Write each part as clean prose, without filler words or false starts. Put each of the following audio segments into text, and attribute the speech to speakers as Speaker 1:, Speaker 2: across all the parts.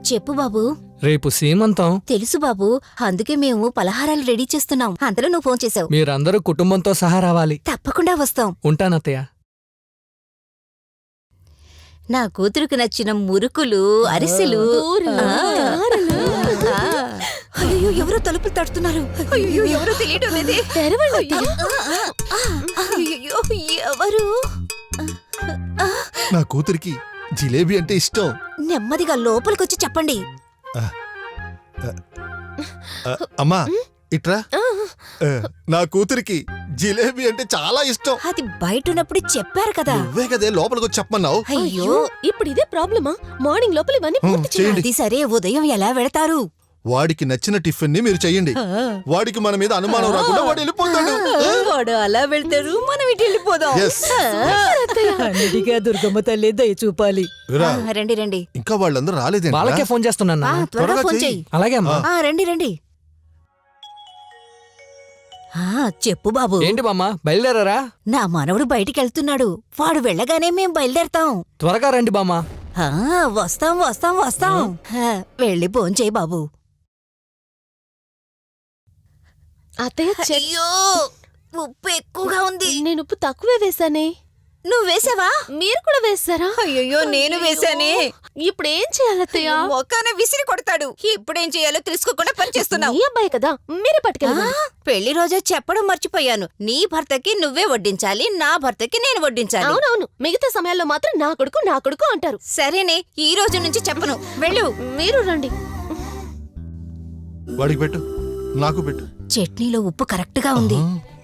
Speaker 1: చెప్పు బాబు.
Speaker 2: రేపు సీమంతం.
Speaker 1: తెలుసు బాబు, అందుకే మేము పలహారాలు రెడీ చేస్తున్నాం. అంతలో నువ్వు ఫోన్ చేసావు.
Speaker 2: మీరందరూ కుటుంబంతో సహా రావాలి.
Speaker 1: తప్పకుండా వస్తాం.
Speaker 2: ఉంటానత్తయ్య.
Speaker 1: నా కూతురుకు నచ్చిన మురుకులు, అరిసెలు. అయ్యో, ఎవరో తలుపులు తడుతున్నారు. అయ్యో, ఎవరో తెలియటం లేదే. అయ్యో, ఎవరు?
Speaker 3: నా కూతురికి జిలేబీ అంటే ఇష్టం.
Speaker 1: నెమ్మదిగా లోపలికొచ్చి చెప్పండి.
Speaker 3: అమ్మా ఇట్రా. నా కూతురికి జిలేబీ అంటే చాలా ఇష్టం.
Speaker 1: అది బయట ఉన్నప్పుడు చెప్పారు కదా.
Speaker 3: నువ్వే కదే లోపలికొచ్చి చెప్పమన్నావు.
Speaker 1: అయ్యో,
Speaker 4: ఇప్పుడు ఇదే ప్రాబ్లమా? మార్నింగ్ లోపల ఇవన్నీ పూర్తి చేయండి.
Speaker 1: అది సరే, ఉదయం ఎలా వెళతారు?
Speaker 3: వాడికి నచ్చిన టిఫిన్ ని మీరు చెయ్యండి. వాడికి మన మీద అనుమానం రాకుండా వాడు వెళ్ళిపోతాడు.
Speaker 1: వాడు అలా వెళ్తారు, మనం ఇటు వెళ్ళిపోదాం.
Speaker 4: అన్నిటిగా దుర్గమ్మ తల్లి దయ చూపాలి.
Speaker 1: రండి రండి.
Speaker 3: ఇంకా వాళ్ళందరూ రాలేదే.
Speaker 2: వాళ్ళకే ఫోన్ చేస్తున్నా.
Speaker 1: త్వరగా ఫోన్ చెయ్యి.
Speaker 2: అలాగే అమ్మా.
Speaker 1: రండి రండి. చెప్పు బాబు.
Speaker 2: ఏంటి బామ్మ, బయలుదేరారా?
Speaker 1: నా మనవడు బయటికెళ్తున్నాడు. వాడు వెళ్ళగానే మేం బయలుదేరతాం.
Speaker 2: త్వరగా రండి బామ్మ.
Speaker 1: వస్తాం వస్తాం వస్తాం. వెళ్ళి భోంచేయి బాబు.
Speaker 4: అత్తయ్య,
Speaker 1: అయ్యో, ఉప్పు ఎక్కువగా ఉంది.
Speaker 4: నేను ఉప్పు తక్కువే వేసానే.
Speaker 1: నువ్వు వేసావా?
Speaker 4: మీరు కూడా వేసారా?
Speaker 1: అయ్యో, నేను వేసానే.
Speaker 4: ఇప్పుడు ఏం చేయాలత్తయ్య?
Speaker 1: మొక్కన విసిరి కొడతాడు. ఇప్పుడేం చేయాలో తెలుసుకోకుండా పనిచేస్తున్నావు.
Speaker 4: నీ అబ్బాయి కదా, మీరే పట్టుకెళ్ళండి.
Speaker 1: పెళ్లి రోజే చెప్పడం మర్చిపోయాను. నీ భర్తకి నువ్వే వడ్డించాలి, నా భర్తకి నేను వడ్డించాలి.
Speaker 4: అవునవును, మిగతా సమయాల్లో మాత్రం నా కొడుకు అంటారు.
Speaker 1: సరేనే, ఈ రోజు నుంచి చెప్పను. వెళ్ళు.
Speaker 4: మీరు రండి.
Speaker 3: వాడికి పెట్టు, నాకు పెట్టు.
Speaker 1: చట్నీలో ఉప్పు కరెక్ట్ గా ఉంది.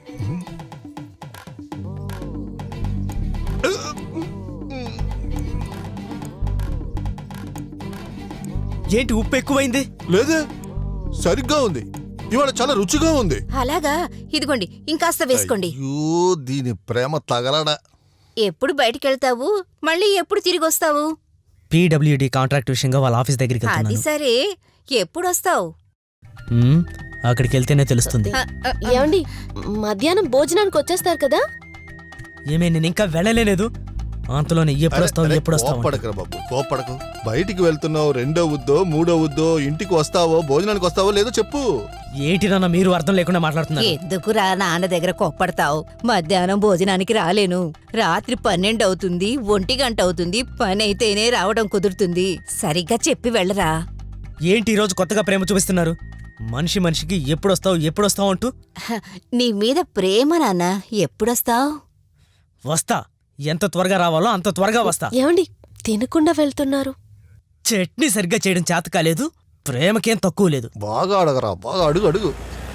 Speaker 5: ఏంటి ఉప్పు ఎక్కువైంది?
Speaker 3: లేదే, సరిగ్గా ఉంది. ఇవాళ చాలా రుచిగా ఉంది.
Speaker 1: అలాగా, ఇదిగోండి, ఇంకాస్త వేసుకోండి.
Speaker 3: అయ్యో, దీని ప్రేమ తగలడా.
Speaker 1: ఎప్పుడు బయటికెళ్తావు? మళ్ళీ ఎప్పుడు తిరిగి వస్తావు?
Speaker 5: పీడబ్ల్యూడీ కాంట్రాక్ట్ విషయంగా వాళ్ళ ఆఫీస్ దగ్గరికి
Speaker 1: అది
Speaker 5: వెళ్తున్నాను.
Speaker 1: సరే, ఎప్పుడొస్తావు?
Speaker 5: అక్కడికి వెళ్తేనే తెలుస్తుంది.
Speaker 4: ఏమండి, మధ్యాహ్నం భోజనానికి వచ్చేస్తారు కదా?
Speaker 5: ఏమే, నేను ఇంకా వెళ్ళలేదు. అంతలోనే ఎప్పుడొస్తావు?
Speaker 3: కోపడకరా బాబు, కోపడకు. బయటికి వెళ్తున్నావు, రెండో ఉద్దో మూడో ఉద్దో, ఇంటికి వస్తావో భోజనానికి వస్తావో లేదో చెప్పు.
Speaker 5: ఏంటి నాన్న మీరు అర్థం లేకుండా మాట్లాడుతున్నారు?
Speaker 1: ఎందుకురా నాన్న దగ్గర కోప్పడతావు? మధ్యాహ్నం భోజనానికి రాలేను. రాత్రి 12 అవుతుంది, 1 గంట అవుతుంది. పని అయితేనే రావడం కుదురుతుంది. సరిగ్గా చెప్పి వెళ్ళరా.
Speaker 5: ఏంటి ఈరోజు కొత్తగా ప్రేమ చూపిస్తున్నారు? మనిషికి ఎప్పుడొస్తావు అంటూ.
Speaker 1: నీ మీద ప్రేమ నాన్న. ఎప్పుడొస్తావు?
Speaker 5: వస్తా, ఎంత త్వరగా రావాలో అంత త్వరగా వస్తా.
Speaker 4: ఏమండి, తినకుండా వెళ్తున్నారు?
Speaker 5: చట్నీ సరిగ్గా చేయడం చేత కాలేదు, ప్రేమకేం తక్కువ లేదు.
Speaker 3: బాగా అడగరా, బాగా అడుగు అడుగు.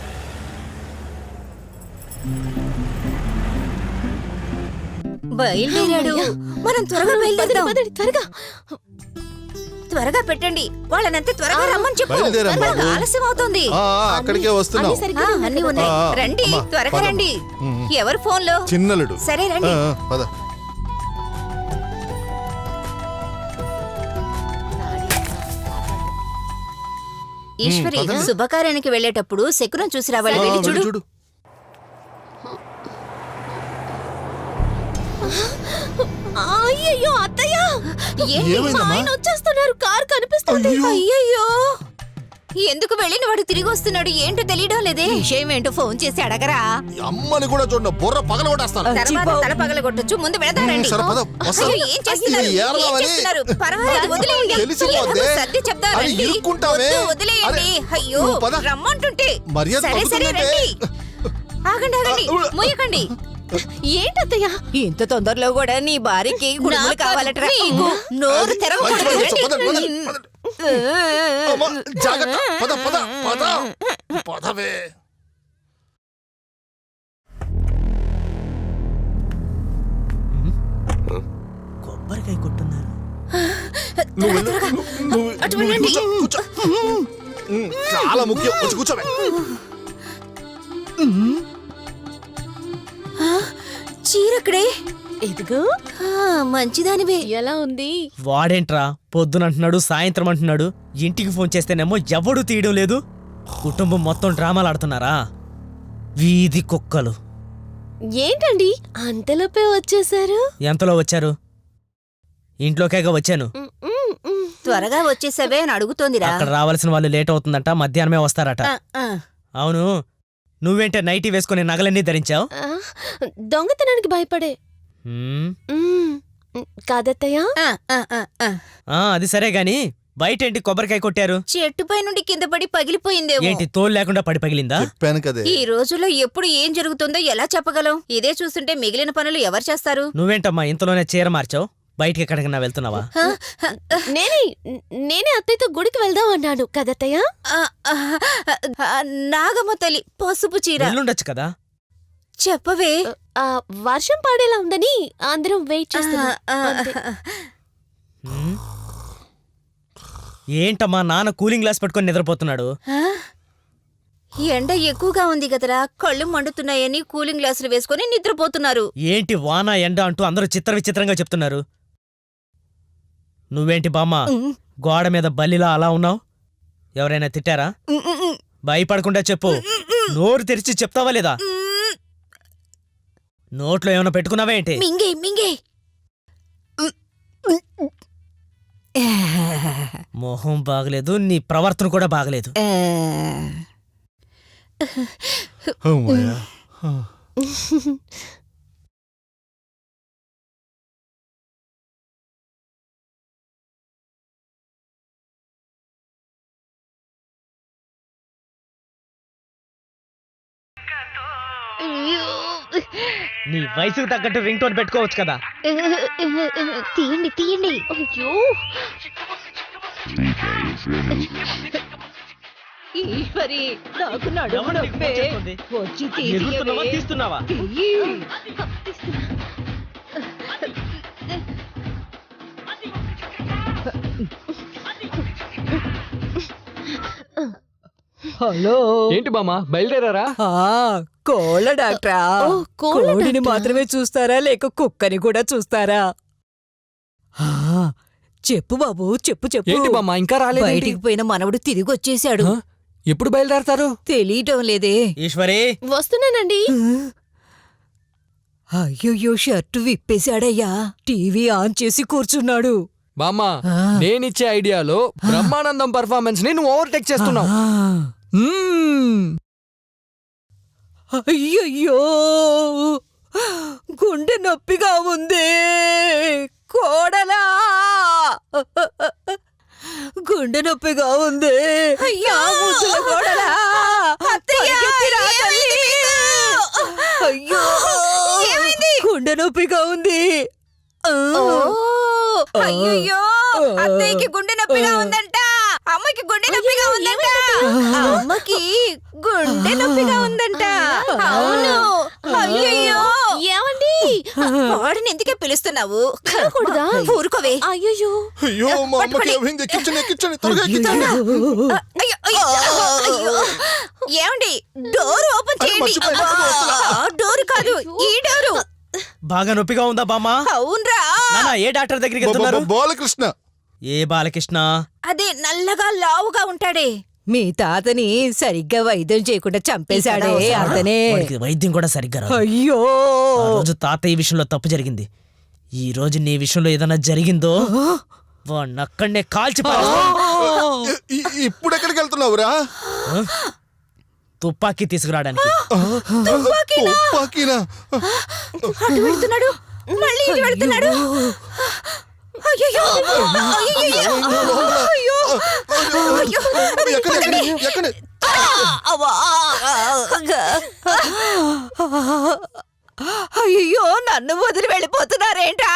Speaker 1: బయలుదేరాడు. మనం త్వరగా బయలుదేరదాం.
Speaker 4: త్వరగా
Speaker 1: త్వరగా పెట్టండి. వాళ్ళనంతే త్వరగా రమ్మని చెప్పు.
Speaker 3: బయలుదేరాం బాబు.
Speaker 1: ఆలస్యం అవుతుంది.
Speaker 3: అక్కడికే వస్తున్నాం.
Speaker 1: అన్ని ఉన్నాయి. రండి, త్వరగా రండి. ఎవరు ఫోన్లో?
Speaker 3: చిన్నలుడు.
Speaker 1: సరే రండి.
Speaker 3: పద.
Speaker 1: ఈశ్వరి, శుభకార్యానికి వెళ్ళేటప్పుడు శకునం చూసి రావాలి. వెళ్ళి చూడు.
Speaker 4: అయ్యయ్యో, అత్తయ్య, ఆయన వచ్చేస్తున్నారు. కారు కనిపిస్తుంది.
Speaker 1: అయ్యయ్యో, ఎందుకు వెళ్ళిన వాడు తిరిగి వస్తున్నాడు? ఏంటో తెలియడం లేదే. విషయం ఏంటో ఫోన్ చేసి అడగరా.
Speaker 3: అమ్మని కూడా చూడండి, బుర్ర పగలగొట్టేస్తాను.
Speaker 1: తర్వాత తల పగలగొట్టొచ్చు. ముందు వెళదారండి. ఏం చేస్తున్నారు? పర్వాలేదు, వదిలేయండి. సర్ది చెప్తారండి. వదిలేయండి. అయ్యో, రమ్మంటుంటే. సరే సరే రండి. ఆగండి ఆగండి, మూయకండి.
Speaker 4: ఏంటత్తయ్య,
Speaker 1: ఇంత తొందరలో కూడా నీ భార్యకి గుడుములు కావాలటరా? నోరు తెరవకూడదు.
Speaker 5: కొబ్బరికాయ కొట్టున్నారు.
Speaker 3: చాలా ముఖ్యం, వచ్చి కూర్చోవే.
Speaker 1: చీరక్కడే.
Speaker 4: ఇదిగో.
Speaker 1: మంచిదానివే.
Speaker 4: ఎలా ఉంది?
Speaker 5: వాడేంట్రా పొద్దునంటున్నాడు, సాయంత్రం అంటున్నాడు. ఇంటికి ఫోన్ చేస్తేనేమో ఎవడూ తీయడం లేదు. కుటుంబం మొత్తం డ్రామాలు ఆడుతున్నారా? వీధి కుక్కలు.
Speaker 4: ఏంటండి అంతలోపే వచ్చేసారు?
Speaker 5: ఎంతలో వచ్చారు? ఇంట్లోకేగా వచ్చాను.
Speaker 1: త్వరగా వచ్చేసావే అని అడుగుతోందిరా.
Speaker 5: అక్కడ రావాల్సిన వాళ్ళు లేట్ అవుతుందంట, మధ్యాహ్నమే వస్తారట. అవును, నువ్వేంటే నైటీ వేసుకుని నగలన్నీ ధరించావు?
Speaker 4: దొంగతనానికి భయపడే. కాదత్తయ్యా?
Speaker 5: అది సరే గాని బయటేంటి కొబ్బరికాయ కొట్టారు?
Speaker 1: చెట్టుపై నుండి కింద పడి పగిలిపోయిందేమో.
Speaker 5: ఏంటి తోలు లేకుండా పడి పగిలిందా?
Speaker 3: చెప్పాను కదే.
Speaker 1: ఈ రోజుల్లో ఎప్పుడు ఏం జరుగుతుందో ఎలా చెప్పగలం? ఇదే చూస్తుంటే మిగిలిన పనులు ఎవరు చేస్తారు?
Speaker 5: నువ్వేంటమ్మా ఇంతలోనే చీర మార్చావు? బయటికి ఎక్కడికన్నా వెళ్తున్నావా?
Speaker 4: నేనే అత్తయ్యతో గుడికి వెళ్దాం అన్నాను కదత్తయ్యా.
Speaker 1: నాగమ్మ తల్లి పసుపు చీర.
Speaker 5: వెళ్ళుండొచ్చు కదా.
Speaker 1: చెప్పవే.
Speaker 4: వర్షం పాడేలా ఉందని అందరం వెయిట్ చేస్తున్నాం.
Speaker 5: ఏంటమ్మా నాన్న కూలింగ్ గ్లాస్ పట్టుకొని నిద్రపోతున్నాడు?
Speaker 1: ఎండ ఎక్కువగా ఉంది కదరా, కళ్ళు మండుతున్నాయని కూలింగ్ గ్లాసులు వేసుకొని నిద్రపోతున్నారు.
Speaker 5: ఏంటి వాన ఎండ అంటూ అందరూ చిత్ర విచిత్రంగా చెప్తున్నారు. నువ్వేంటి బామ్మ గోడ మీద బల్లిలా అలా ఉన్నావు? ఎవరైనా తిట్టారా? భయపడకుండా చెప్పు. నోరు తెరిచి చెప్తావా లేదా? నోట్లో ఏమైనా పెట్టుకున్నావా ఏంటి?
Speaker 1: మింగే మింగే.
Speaker 5: మొహం బాగలేదు, నీ ప్రవర్తన కూడా బాగలేదు.
Speaker 3: అమ్మయ్య.
Speaker 5: నీ వయసుకు తగ్గట్టు రింగ్ టోన్ పెట్టుకోవచ్చు కదా.
Speaker 4: తీయండి తీయండి. అయ్యో
Speaker 1: ఈశ్వరి, నాకు నడుము నొప్పే. వచ్చి
Speaker 5: ఎగురుతున్నావా, తీస్తున్నావా?
Speaker 2: హలో, ఏంటి బామ్మ బయలుదేరారా?
Speaker 1: కోళ్ళ డాక్టరా? కోడిని మాత్రమే చూస్తారా లేక కుక్కని కూడా చూస్తారా? చెప్పు బాబు, చెప్పు చెప్పు.
Speaker 2: ఏంటి బామ్మ ఇంకా రాలేదు?
Speaker 1: బయటికి పోయిన మనవడు తిరిగి వచ్చేశాడు.
Speaker 2: ఎప్పుడు బయలుదేరతారు?
Speaker 1: తెలియటం లేదే.
Speaker 5: ఈశ్వరి,
Speaker 4: వస్తున్నానండి.
Speaker 1: అయ్యయ్యో, షర్టు విప్పేశాడయ్యా. టీవీ ఆన్ చేసి కూర్చున్నాడు.
Speaker 2: బామ్మ, నేనిచ్చే ఐడియాలో బ్రహ్మానందం పర్ఫార్మెన్స్ ని నువ్వు ఓవర్టేక్ చేస్తున్నావు.
Speaker 1: అయ్యయ్యో, గుండె నొప్పిగా ఉంది. కోడలా, గుండె నొప్పిగా ఉంది. అయ్యో కోడలా, అయ్యో గుండె నొప్పిగా ఉంది. అయ్యో, అత్తయ్యకి గుండె నొప్పిగా ఉందంట. అమ్మకి గుండె నొప్పిగా ఉందంట. అమ్మకి గుండె నొప్పిగా ఉందంట. అవును. అయ్యయ్యో,
Speaker 4: ఏమండి?
Speaker 1: వాడిని ఎందుకే పిలుస్తున్నావు?
Speaker 4: కూడదా?
Speaker 1: ఊరుకోవే.
Speaker 4: అయ్యో
Speaker 3: అయ్యో, మా అమ్మకి ఏమైంది? ఎక్కించండి, ఎక్కించండి, త్వరగా ఎక్కించండి.
Speaker 1: ఏమండి, డోర్ ఓపెన్ చేయండి.
Speaker 3: మర్చిపోయాను.
Speaker 1: డోర్ కాదు, ఈ డోరు.
Speaker 5: బాగా నొప్పిగా ఉందా బామ్మ?
Speaker 1: అవునరా.
Speaker 5: నాన్న ఏ డాక్టర్ దగ్గరికి వెళ్తున్నారు?
Speaker 3: బాలకృష్ణ.
Speaker 5: ఏ బాలకృష్ణ?
Speaker 1: అదే నల్లగా లావుగా ఉంటాడే. మీ తాతని సరిగ్గా వైద్యం చేయకుండా చంపేశాడే అతనే.
Speaker 5: వాడికి వైద్యం కూడా సరిగ్గా రాదు.
Speaker 1: అయ్యో,
Speaker 5: ఆ రోజు తాత ఈ విషయంలో తప్పు జరిగింది. ఈ రోజు నీ విషయంలో ఏదైనా జరిగిందో వాడిని అక్కడనే కాల్చి
Speaker 3: ఇప్పుడు ఎక్కడికి వెళ్తున్నావురా?
Speaker 5: తుపాకీ తీసుకురావడానికి.
Speaker 3: తుపాకీనా?
Speaker 1: అటు వెళ్తున్నాడు, మళ్ళీ ఇటు వెళ్తున్నాడు. అయ్యయ్యో, అయ్యయ్యో, అయ్యో, అయ్యో.
Speaker 3: ఎక్కడి?
Speaker 1: అయ్యో, నన్ను వదిలి వెళ్ళిపోతున్నారేంటా?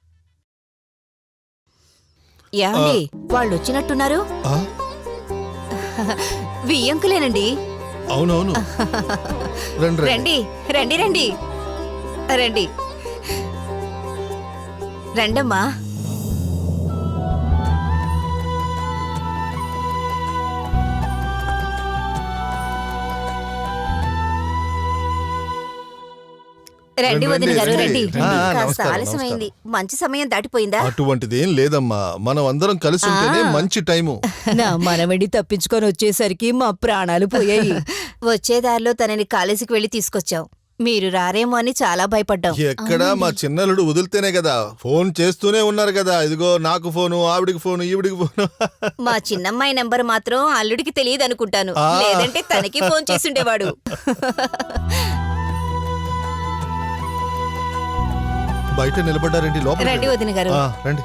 Speaker 1: ఏమండి, వాళ్ళు వచ్చినట్టున్నారు.
Speaker 3: ఆ?
Speaker 1: వియ్యంకులేనండి.
Speaker 3: అవునవును. రండి
Speaker 1: రండి రండి రండి రండి రండమ్మా. రండి వదిన గారు, రండి. కాస్త ఆలస్యమైంది. మంచి సమయం దాటిపోయిందా?
Speaker 3: అటువంటిదేం లేదమ్మా, మనం అందరం కలిసి ఉంటేనే మంచి టైము.
Speaker 1: నా మనవడి తప్పించుకొని వచ్చేసరికి మా ప్రాణాలు పోయాయి. వచ్చేదారిలో తనని కాలేజీకి వెళ్లి తీసుకొచ్చాం. మీరు రారేమో అని చాలా భయపడ్డాం.
Speaker 3: ఎక్కడ మా చిన్నలుడు వదిలితేనే కదా, ఫోన్ చేస్తూనే ఉన్నారు కదా. ఇదిగో నాకు ఫోను, ఆవిడికి ఫోను, ఈవిడికి ఫోను.
Speaker 1: మా చిన్నమ్మాయి నెంబర్ మాత్రం అల్లుడికి తెలియదు అనుకుంటాను,
Speaker 3: ఆ.
Speaker 1: లేదంటే తనకి ఫోన్ చేసుండేవాడు.
Speaker 3: బయట నిలబడ్డారేంటి? లోపల
Speaker 1: రండి వదిన గారు.
Speaker 3: రండి.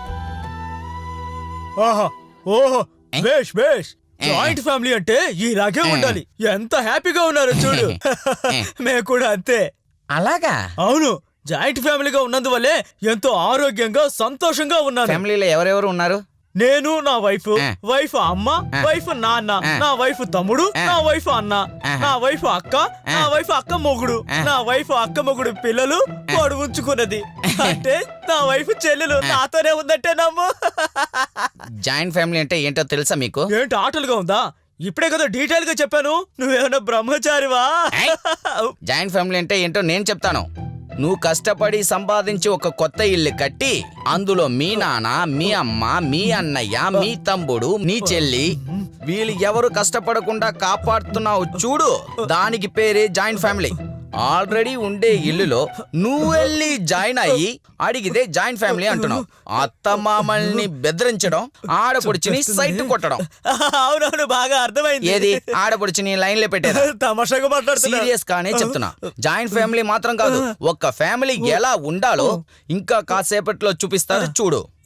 Speaker 5: ఆహా ఓహో బేష్ బేష్ జాయింట్ ఫ్యామిలీ అంటే ఇలాగే ఉండాలి. ఎంత హ్యాపీగా ఉన్నారు చూడు. మేము కూడా అంతే.
Speaker 6: అలాగా
Speaker 5: అవును, జాయింట్ ఫ్యామిలీగా ఉన్నందువల్లే ఎంతో ఆరోగ్యంగా సంతోషంగా ఉన్నాను.
Speaker 6: ఫ్యామిలీలో ఎవరెవరు ఉన్నారు?
Speaker 5: నేను, నా వైఫ్, వైఫ్ అమ్మ, వైఫ్ నాన్న, నా వైఫ్ తమ్ముడు, నా వైఫ్ అన్న, నా వైఫ్ అక్క, నా వైఫ్ అక్క మొగుడు, నా వైఫ్ అక్క మొగుడు పిల్లలు వాడు ఉంచుకున్నది. అంటే నా వైఫ్ చెల్లెలు నాతోనే ఉందంటే నమ్ము.
Speaker 6: జాయింట్ ఫ్యామిలీ అంటే ఏంటో తెలుసా మీకు?
Speaker 5: ఏంటి ఆటలుగా ఉందా? ఇప్పుడే కదా డీటెయిల్ గా చెప్పాను. నువ్వేమన్నా బ్రహ్మచారివా?
Speaker 6: జాయింట్ ఫ్యామిలీ అంటే ఏంటో నేను చెప్తాను. నువ్వు కష్టపడి సంపాదించి ఒక కొత్త ఇల్లు కట్టి అందులో మీ నాన్న, మీ అమ్మ, మీ అన్నయ్య, మీ తమ్ముడు, నీ చెల్లి వీళ్ళు ఎవరు కష్టపడకుండా కాపాడుతున్నావు చూడు, దానికి పేరే జాయింట్ ఫ్యామిలీ. ఆల్రెడీ ఉండే ఇల్లులో నువ్వు వెళ్ళి జాయిన్ అయ్యి అడిగితే జాయింట్ ఫ్యామిలీ అంటున్నావు. అత్తమామల్ని బెదిరించడం, ఆడపడుచుని సైట్ కొట్టడం.
Speaker 5: అవునవును, బాగా అర్థమైంది.
Speaker 6: ఏది ఆడపడుచుని లైన్లో పెట్టేదా?
Speaker 5: తమాషాగా మాట్లాడుతున్నా.
Speaker 6: సీరియస్ గానే చెప్తున్నా. జాయింట్ ఫ్యామిలీ మాత్రం కాదు, ఒక ఫ్యామిలీ ఎలా ఉండాలో ఇంకా కాసేపట్లో చూపిస్తారు చూడు.